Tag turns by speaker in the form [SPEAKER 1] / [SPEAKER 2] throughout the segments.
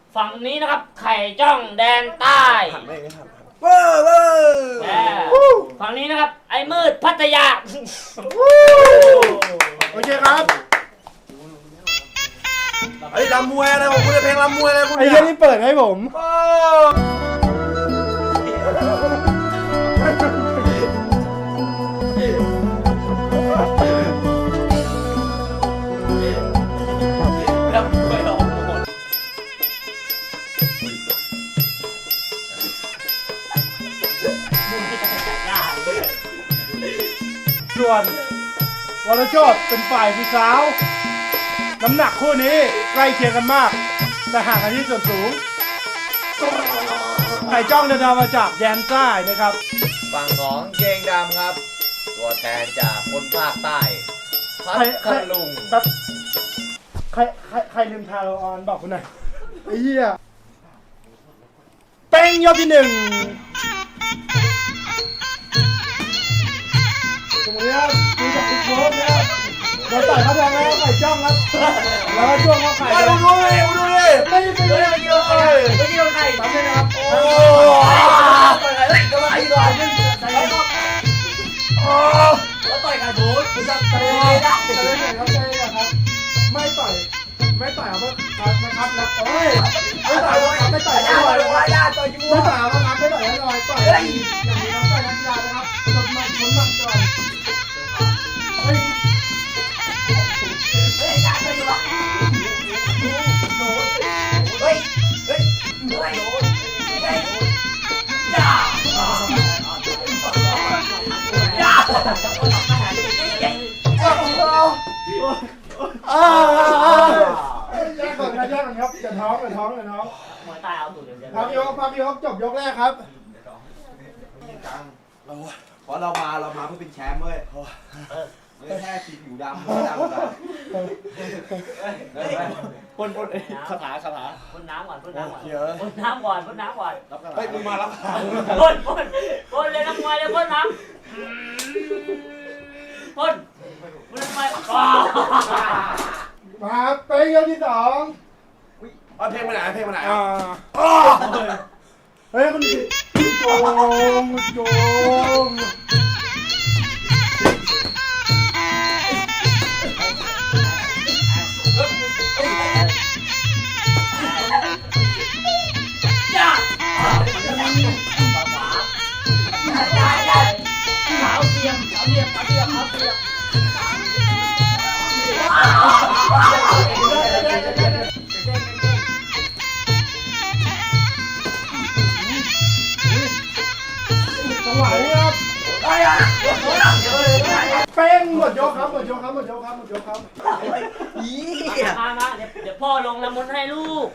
[SPEAKER 1] ฝั่งนี้นะครับไข่จ้องแดนใต้ฝั่งนี้นะครับไอ้มืดพัทยา
[SPEAKER 2] โอเคครับไอ้ลำมวยอะไรผมคุณจะเพลงลำมวยอะไรคุณไอ้เรื่องนี้เปิดให้ผมส่วนวรโชติเป็นฝ่ายสีขาวน้ำหนักคู่นี้ใกล้เคียงกันมากแต่ห่างกันที่ส่วนสูงไข่จ้องเดินทางมาจากแดนใต้นะครับ
[SPEAKER 3] ฝั่งของเกงดำครับตัวแทนจากคนภาคใต้พัทลุง
[SPEAKER 2] แบบใครลืมทาโรออนบอกคุณหน่อยไอ้เหี้ยเป้งยอดที่หนึ่งตรงนี้ครับดูจากคุณโค้ชนะครับเราต่อยเขาทางแล้วไข่จ้องครับแล้วก็ช่วงเขาไข่ดูเลยไม่เกี่ยวไข่ทำเลยนะครับโอ้กำลังอีกหน่อยนึงใส่ครับแล้วต่อยกันบู๊จะเตะได้ครับไม่ต่อยเอาเพื่อครับแล้วเฮ้ยไม่ต่อยเอาไม่ต่อยเอาไม่ต่อยเอาครับไม่ต่อยเอาต่อยอย่างนี้ครับต่อยนักกีฬานะครับจดมันผลมันก่อนเฮ้ยได้ไปอยู่วะโน้ตเฮ้ยย่าแยกก่อนครับอย่าท้อง
[SPEAKER 1] หัวตายเอาตูดเดียว
[SPEAKER 2] พักยกจบยกแรกครับ
[SPEAKER 4] เพราะเรามาเพื่อเป็นแชมป์เว้ยไม่แค่สีผิวดำไม่ดำนะ
[SPEAKER 3] พ่นคาถา
[SPEAKER 1] พ่นน้ำก่อนพ่นน้ำก่อน
[SPEAKER 4] เฮ้ยมึงมารับ
[SPEAKER 1] พ่นเลยน้ำมวยเลยพ่นน้ำพ่นทำไม
[SPEAKER 2] มาเป็นยกที่สอง
[SPEAKER 4] เพลงมาไหน
[SPEAKER 2] เฮ้ยคุณโจงจังหวะนี้ครับเป็นหมดยกครับ
[SPEAKER 1] มาเดี๋ยวพ่อลงน้ำมนต์ให้ลูก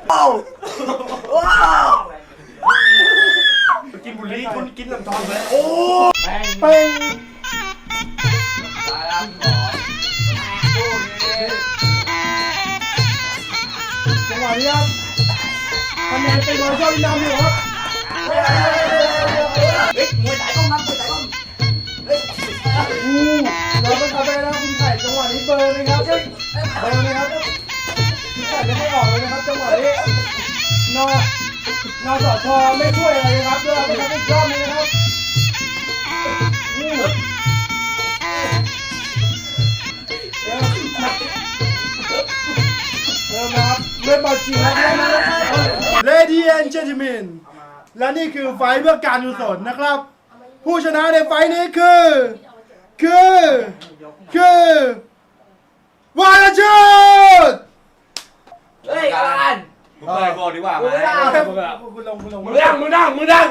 [SPEAKER 4] กินบุหรี่คุณกินน้ำทองเลย
[SPEAKER 2] เป็นจังหวะนี้ครับคะแนนเป็นร้อยเจ้าดินดำอยู่ครับ
[SPEAKER 4] มวยไต่ก้มเราเป็นคา
[SPEAKER 2] เฟ่แล้วคุณไข่จังหวะนี้เบอร์เลยครับคุณไข่ไม่ให้ออกเลยนะครับจังหวะนี้นสชไม่ช่วยอะไรเลยครับด้วยนะครับอีกรอบนึงนะครับเริ่มนะครับเริ่มบอลจริงแล้วนะครับ Ladies and Gentlemen และนี่คือไฟเพื่อการกุศลนะครับผู้ชนะในไฟนี้คือวรชุด
[SPEAKER 3] เฮ้ยกัน
[SPEAKER 4] มึงไปก่อนดีกว่าไหม
[SPEAKER 2] คุณลง
[SPEAKER 4] มึงนั่งมามึงนั่ง
[SPEAKER 1] ใต้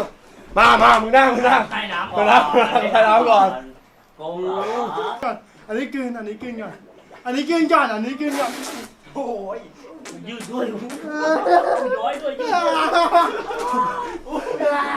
[SPEAKER 1] น้ำ
[SPEAKER 4] ก่อน
[SPEAKER 2] อันนี้กลืนก่อน
[SPEAKER 4] โอ้ย
[SPEAKER 1] ยืดด้วยย้อยด้วย